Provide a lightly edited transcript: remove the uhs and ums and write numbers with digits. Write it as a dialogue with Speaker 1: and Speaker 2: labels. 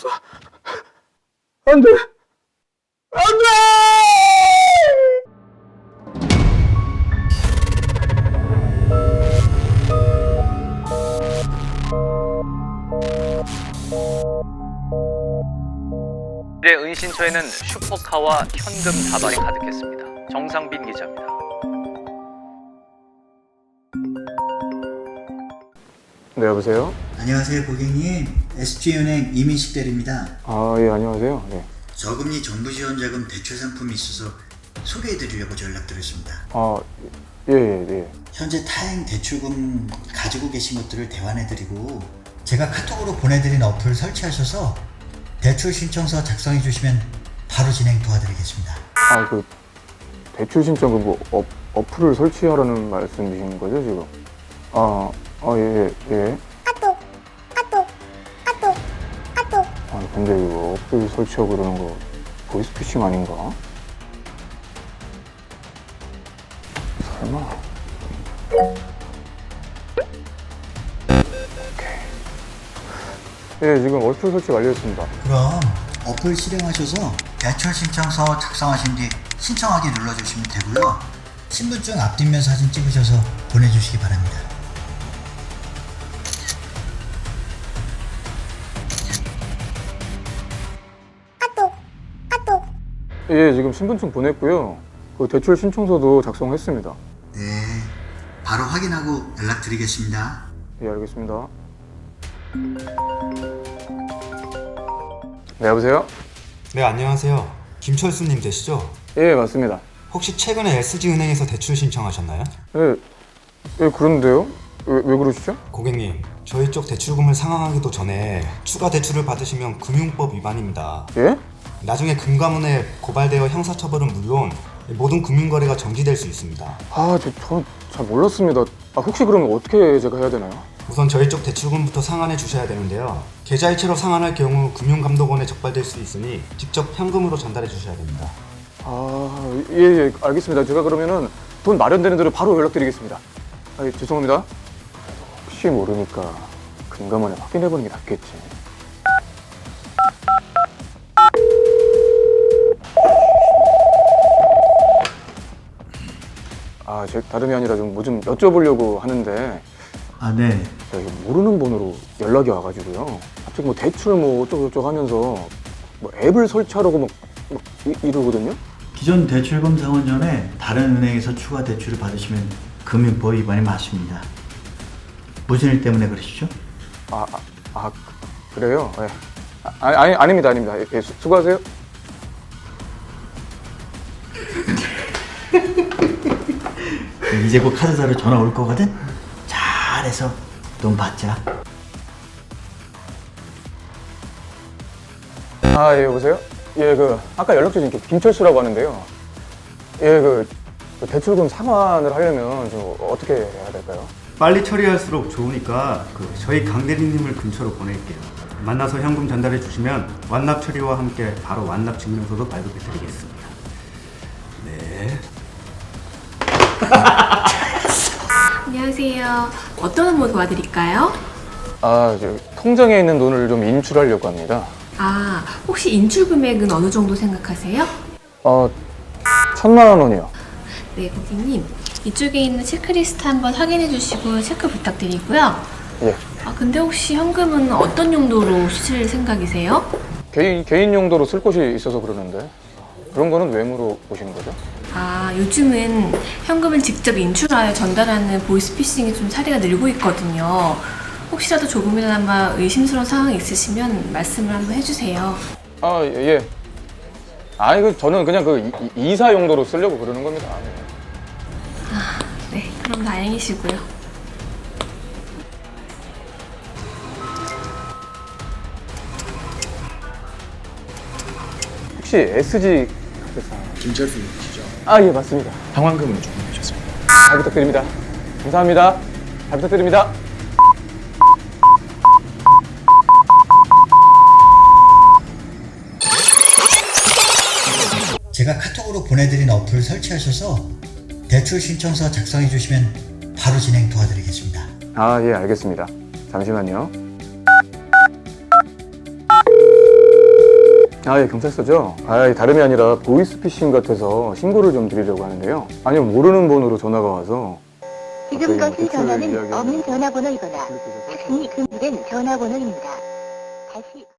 Speaker 1: 없어. 안 돼. 안 돼!
Speaker 2: 의 은신처에는 슈퍼카와 현금 다발이 가득했습니다. 정상빈 기자입니다.
Speaker 1: 네, 여보세요?
Speaker 3: 안녕하세요 고객님, SG은행 이민식 대리입니다.
Speaker 1: 아, 예, 안녕하세요. 예.
Speaker 3: 저금리 정부지원자금 대출 상품이 있어서 소개해드리려고 연락드렸습니다.
Speaker 1: 아, 예, 예, 예.
Speaker 3: 현재 타행 대출금 가지고 계신 것들을 대환해드리고 제가 카톡으로 보내드린 어플 설치하셔서 대출 신청서 작성해 주시면 바로 진행 도와드리겠습니다.
Speaker 1: 아, 그 대출 신청 어플을 설치하라는 말씀이신 거죠, 지금? 예, 예. 아, 근데 이거 어플 설치하고 그러는 거 보이스피싱 아닌가? 설마? 오케이. 예, 지금 어플 설치 완료했습니다.
Speaker 3: 그럼 어플 실행하셔서 대출 신청서 작성하신 뒤 신청하기 눌러주시면 되고요. 신분증 앞뒷면 사진 찍으셔서 보내주시기 바랍니다.
Speaker 1: 예, 지금 신분증 보냈고요. 그 대출 신청서도 작성했습니다.
Speaker 3: 네, 바로 확인하고 연락드리겠습니다.
Speaker 1: 예, 알겠습니다. 네, 여보세요?
Speaker 4: 네, 안녕하세요. 김철수님 되시죠?
Speaker 1: 예, 맞습니다.
Speaker 4: 혹시 최근에 SG은행에서 대출 신청하셨나요?
Speaker 1: 예, 예, 그런데요? 왜 그러시죠?
Speaker 4: 고객님, 저희 쪽 대출금을 상환하기도 전에 추가 대출을 받으시면 금융법 위반입니다.
Speaker 1: 예?
Speaker 4: 나중에 금감원에 고발되어 형사처벌은 물론 모든 금융거래가 정지될 수 있습니다.
Speaker 1: 아, 저 잘 몰랐습니다. 아, 혹시 그러면 어떻게 제가 해야 되나요?
Speaker 4: 우선 저희 쪽 대출금부터 상환해 주셔야 되는데요. 계좌이체로 상환할 경우 금융감독원에 적발될 수 있으니 직접 현금으로 전달해 주셔야 됩니다.
Speaker 1: 아, 예, 알겠습니다. 제가 그러면은 돈 마련되는 대로 바로 연락드리겠습니다. 아, 예, 죄송합니다. 혹시 모르니까 금감원에 확인해보는 게 낫겠지. 아, 제 다름이 아니라 뭐 좀 여쭤보려고 하는데
Speaker 3: 아, 네.
Speaker 1: 제가 이게 모르는 번호로 연락이 와가지고요. 갑자기 뭐 대출 뭐 어쩌고저쩌고 하면서 뭐 앱을 설치하라고 막 이러거든요.
Speaker 3: 기존 대출금 상환 전에 다른 은행에서 추가 대출을 받으시면 금융법 위반이 맞습니다. 무슨 일 때문에 그러시죠?
Speaker 1: 그래요? 예. 아닙니다. 예, 수고하세요.
Speaker 3: 이제 곧 카드사로 전화 올 거거든? 잘해서 돈 받자.
Speaker 1: 아, 예, 여보세요? 예, 아까 연락 주신 김철수라고 하는데요. 예, 대출금 상환을 하려면 좀 어떻게 해야 될까요?
Speaker 5: 빨리 처리할수록 좋으니까 저희 강 대리님을 근처로 보낼게요. 만나서 현금 전달해 주시면 완납 처리와 함께 바로 완납 증명서도 발급해 드리겠습니다. 네.
Speaker 6: 안녕하세요. 어떤 업무 도와드릴까요?
Speaker 1: 아, 통장에 있는 돈을 좀 인출하려고 합니다.
Speaker 6: 아, 혹시 인출 금액은 어느 정도 생각하세요?
Speaker 1: 1,000만 원이요.
Speaker 6: 네, 고객님. 이쪽에 있는 체크리스트 한번 확인해 주시고 체크 부탁드리고요.
Speaker 1: 예.
Speaker 6: 근데 혹시 현금은 어떤 용도로 쓰실 생각이세요?
Speaker 1: 개인 용도로 쓸 곳이 있어서 그러는데 그런 거는 왜 물어보시는 거죠?
Speaker 6: 요즘은 현금을 직접 인출하여 전달하는 보이스피싱이 좀 사례가 늘고 있거든요. 혹시라도 조금이나마 의심스러운 상황이 있으시면 말씀을 한번 해주세요.
Speaker 1: 아, 예. 이거 저는 그냥 이사 용도로 쓰려고 그러는 겁니다.
Speaker 6: 네, 그럼 다행이시고요.
Speaker 1: 혹시 SG
Speaker 7: 김철수님이시죠?
Speaker 1: 예, 맞습니다.
Speaker 7: 상환금을 주문하셨습니다.
Speaker 1: 잘 부탁드립니다. 감사합니다. 잘 부탁드립니다.
Speaker 3: 제가 카톡으로 보내드린 어플 설치하셔서 대출 신청서 작성해 주시면 바로 진행 도와드리겠습니다.
Speaker 1: 예, 알겠습니다. 잠시만요. 아, 예, 경찰서죠? 아, 다름이 아니라 보이스피싱 같아서 신고를 좀 드리려고 하는데요. 아니면 모르는 번호로 전화가 와서
Speaker 8: 지금
Speaker 1: 갑자기
Speaker 8: 거신 전화는
Speaker 1: 이야기하는
Speaker 8: 없는 전화번호이거나
Speaker 1: 클릭해서
Speaker 8: 탁신이 금지된 전화번호입니다. 다시